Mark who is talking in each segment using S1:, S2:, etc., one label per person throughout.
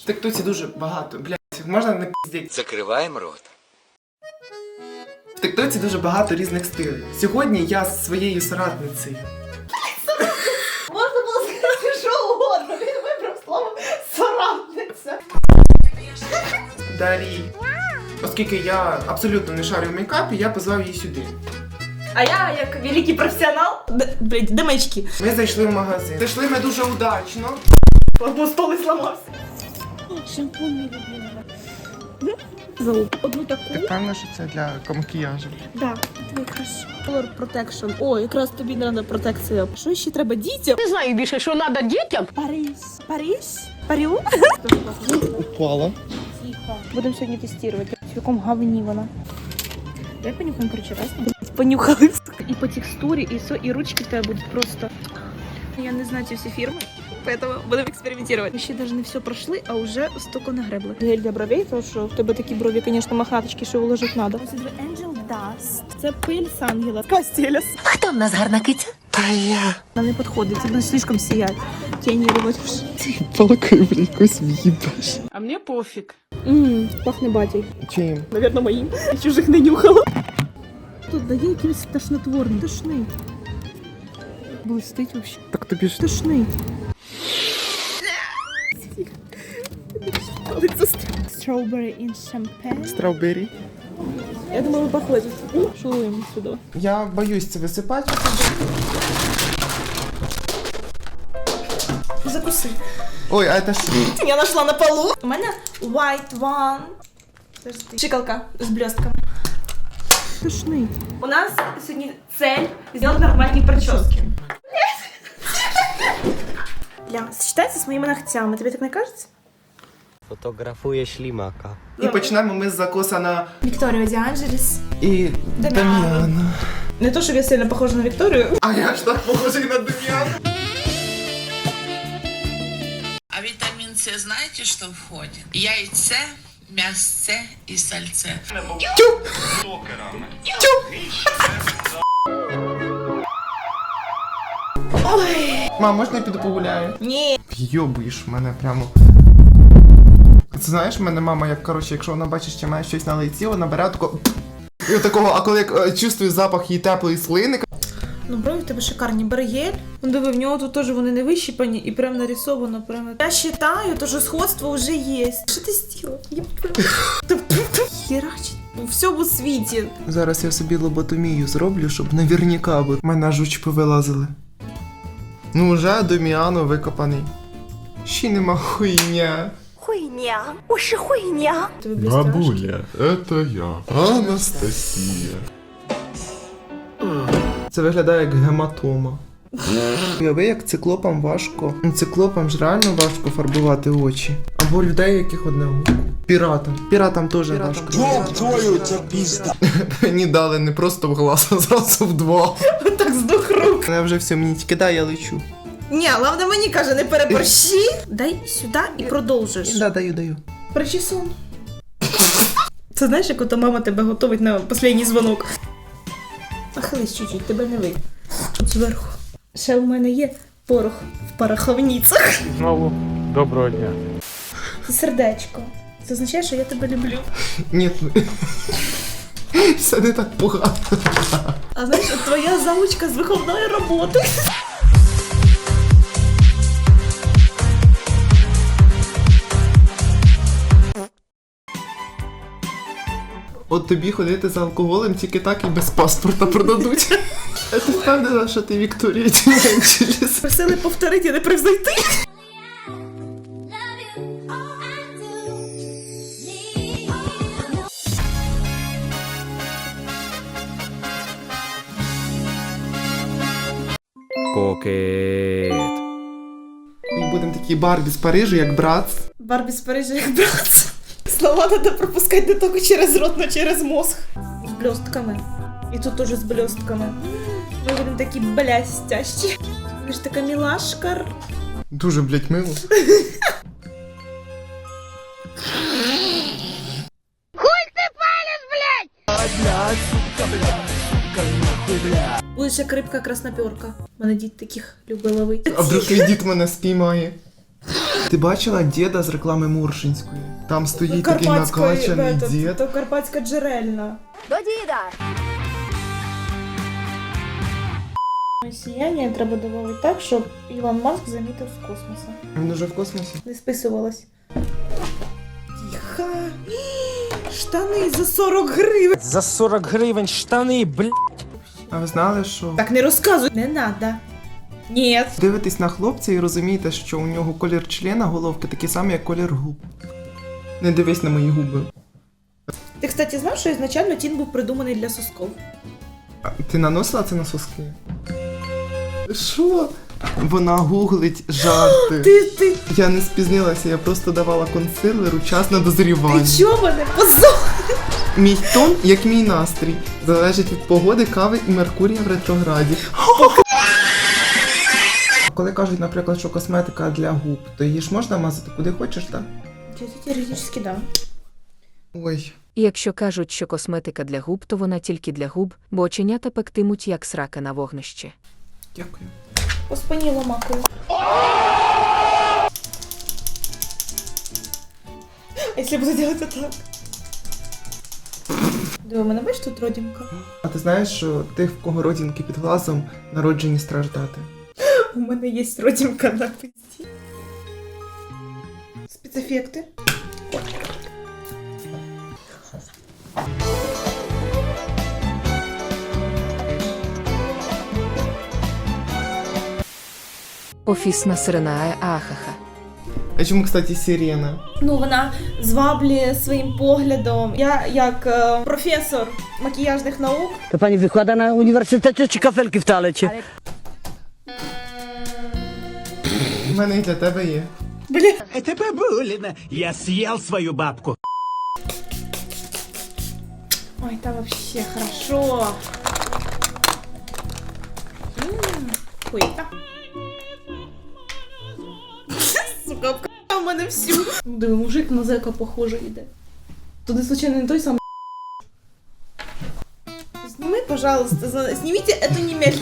S1: тиктоці дуже багато, блядь, можна не піздіть.
S2: Закриваємо рот.
S1: В тиктоці дуже багато різних стилів. Сьогодні я з своєю соратницею.
S3: Можна було сказати, що угодно. Він вибрав слово соратниця.
S1: Дарій. Оскільки я абсолютно не шарю в мейкапі, я позвав її сюди.
S3: А я, як великий професіонал, де маячки?
S1: Ми зайшли в магазин. Зайшли ми дуже удачно.
S3: Бо стол і зламався. Шампунь мій любимий. Одну таку.
S1: Ти впевнена, що це для макіяжу?
S3: Да. Це якраз Color Protection. О, якраз тобі треба протекція. Що ще треба дітям?
S4: Не знаю більше, що треба дітям.
S3: Париж? Парю?
S1: Упала.
S3: Тихо. Будемо сьогодні тестувати. В якому говні вона. Давай понюхаємо, короче, раз. Понюхали. І по текстурі, і все, і ручки в тебе будуть просто... Я не знаю ці всі фірми, поэтому будемо експериментувати. Ми ще навіть не все пройшли, а вже стільки нагребли. Гель для бровей, тому що в тебе такі брові, звісно, мохнаточки, що вложити треба. Ось це Angel Dust. Це пиль з ангела. Кастелес.
S4: Хто в нас гарна киця?
S1: Та я.
S3: Вона не підходить, це буде слишком сіять. Тіні виводиш.
S1: Палкою в якусь в'їбаш.
S4: А мені пофіг.
S3: Пахне батей.
S1: Чим?
S3: Наверно, моїм. Я чужих не нюхала. Тут дає якийсь тошнотворний. Тошний. Блистить вообще.
S1: Так тобі ж...
S3: Тошний. Strawberry in champagne.
S1: Страубері.
S3: Я думаю, ви похожі. Шуруємо сюди.
S1: Я боюсь це висипати.
S3: Закуси.
S1: Ой, а це що?
S3: Я знайшла на полу. У мене white one. Шикалка з блістками. Тошний. У нас сьогодні цель зробити нормальні прически. Ля, сочетається з моїми ногтями. Тобі так не кажеться?
S2: Фотографує шлімака.
S1: І почнемо ми з закоса на...
S3: Вікторія Діанджеліс.
S1: І Дам'яна.
S3: Не то, щоб я сильно похожа на Вікторію.
S1: А я ж так похожий на Дам'яна.
S5: А витамин С знаете, что входит? Яйце, мясце и сальце.
S1: Мам, можна я піду погуляю?
S3: Ні.
S1: Йобуєш мене прямо. Це знаєш, в мене мама, як, коротше, якщо вона бачить, що має щось на лиці, вона бере такого... І отакого, а коли чувствую запах її теплої слини...
S3: Ну, брові в тебе шикарні. Бери гель. Ну, диви, в нього тут теж вони не вищипані і прям нарисовано. Прямо. Я вважаю, що сходство вже є. Що ти зробила? Херачить. У всьому світі.
S1: Зараз я собі лоботомію зроблю, щоб наверняка, бо в мене жуч повилазили. Ну, вже Дам'яно викопаний. Ще нема хуйня.
S4: Хуйня. Уші хуйня.
S3: Тобі блістяш.
S6: Бабуля, это я, Анастасія.
S1: Це виглядає як гематома. Уяви, як циклопам важко. Ну, циклопам ж реально важко фарбувати очі. Або людей, яких одне око. Піратам. Піратам теж важко.
S2: Твою це пізда.
S1: Мені дали не просто в глаз, а зразу в два.
S3: Так з двох рук.
S1: Я вже все, мені тільки дай, я лечу.
S3: Ні, головне мені каже, не переборщи. Дай сюди і продовжиш.
S1: Да, даю.
S3: Причесон. Це знаєш, як ото мама тебе готовить на останній дзвонок. Нахились чуть-чуть, тебе не вийде. Тут зверху. Ще у мене є порох в пороховницях.
S7: Знову доброго дня.
S3: Це сердечко. Це означає, що я тебе люблю.
S1: Ні, все не так погано.
S3: А знаєш, от твоя заучка з виховної роботи.
S1: От тобі ходити за алкоголем тільки так і без паспорта продадуть. А ти впевнена, що ти Вікторія Діанджеліс?
S3: Просили повторити, а не превзойти.
S2: Кокет.
S1: Ми будемо такі Барбі з Парижу, як брат.
S3: Барбі з Парижа як брат. Слова треба пропускати не тільки через рот, но через мозг. З блістками. І тут теж з блістками. Ми будемо такі блястящі. Ви ж така мілашка.
S1: Дуже, блядь, мило.
S3: Будеш як рибка красноперка. Мене дід таких любить ловити.
S1: А вдруг твій дід мене спіймає. Ти бачила діда з реклами Муршинської? Там стоїть такий накачаний дід.
S3: То карпатська джерельна.
S4: До діда.
S3: Сіяння треба додати так, щоб Ілон Маск замітив з космосу.
S1: Він уже в космосі.
S3: Не списувалась. Тихо. Штани за 40 гривень.
S8: За 40 гривень штани, бля.
S1: А ви знали, що
S3: Так не розказуй. Не надо. Ні.
S1: дивитесь на хлопця і розумієте, що у нього колір члена головки такий самий, як колір губ. Не дивись на мої губи.
S3: Ти, кстати, знав, що ізначально тін був придуманий для сосков?
S1: А ти наносила це на соски? Що? Вона гуглить жарти.
S3: Ти
S1: Я не спізнилася, я просто давала консилеру час на дозрівання.
S3: чого мене позор?
S1: Мій тон, як мій настрій, залежить від погоди, кави і Меркурія в ретрограді. Коли кажуть, наприклад, що косметика для губ, то її ж можна мазати куди хочеш, так?
S3: Теоретично, да.
S1: Ой.
S9: І якщо кажуть, що косметика для губ, то вона тільки для губ, бо оченята пектимуть, як срака на вогнищі.
S1: Дякую.
S3: По спині ломакою. А якщо буду делать так? Диви, мене бачиш тут родинка?
S1: А ти знаєш, що тих, в кого родинки під глазом, народжені страждати?
S3: У мене є родинка на пизді. Спецефекти.
S9: Офісна сирена ахаха.
S1: А чому, кстати, сирена?
S3: Ну, вона зваблює своїм поглядом. Я, як професор макіяжних наук,
S8: To pani wykłada na uniwersytecie czy kafelki w toalecie?
S1: У мене і для тебе є.
S8: Это бабулина. Я съел свою бабку.
S3: ой, там вообще хорошо. Хуйта. Сука, обкатав мене всю. Диви, мужик на зека похоже йде. Туди, случайно, не той самий. Сними, пожалуйста, снимите эту немедленно.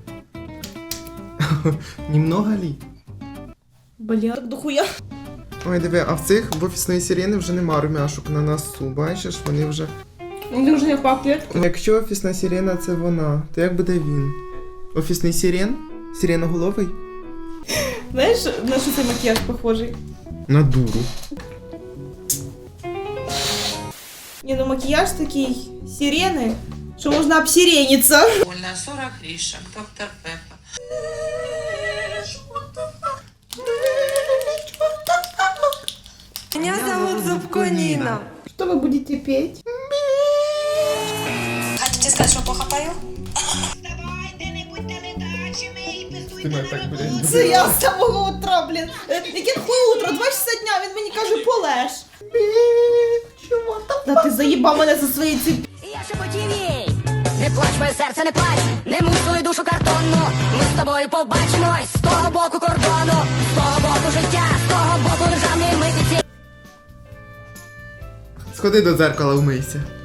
S1: Немного лі.
S3: Бля, так дохуя.
S1: Ой, диви, а в цих в офісної сирени вже нема румяшок на носу, бачиш, вони вже...
S3: Вони вже не пахнуть.
S1: Якщо офісна сирена це вона, то як буде він? Офісний сирен? Сиреноголовий?
S3: Знаєш, на що цей макіяж похожий?
S1: На дуру.
S3: Ні, ну макіяж такий сирени, що можна обсирениться.
S5: Больно 40 гришек, доктор Пеппа.
S4: Меня зовут Зубко Нина.
S3: Что вы будете петь?
S4: Хотите сказать, что плохо пою?
S1: Ти мене так, блядь.
S3: Це я з самого утра, блін. Яке хуй утро, 2 часа дня, він мені каже, полеж. Та ти заїбав мене за свої ці...
S4: Я шепотів їй. Не плач, моє серце, не плач. Не мусили душу картонну. Ми з тобою побачимось з того боку кордону. З того боку життя, з того боку державної митниці.
S1: Сходи до дзеркала, вмийся.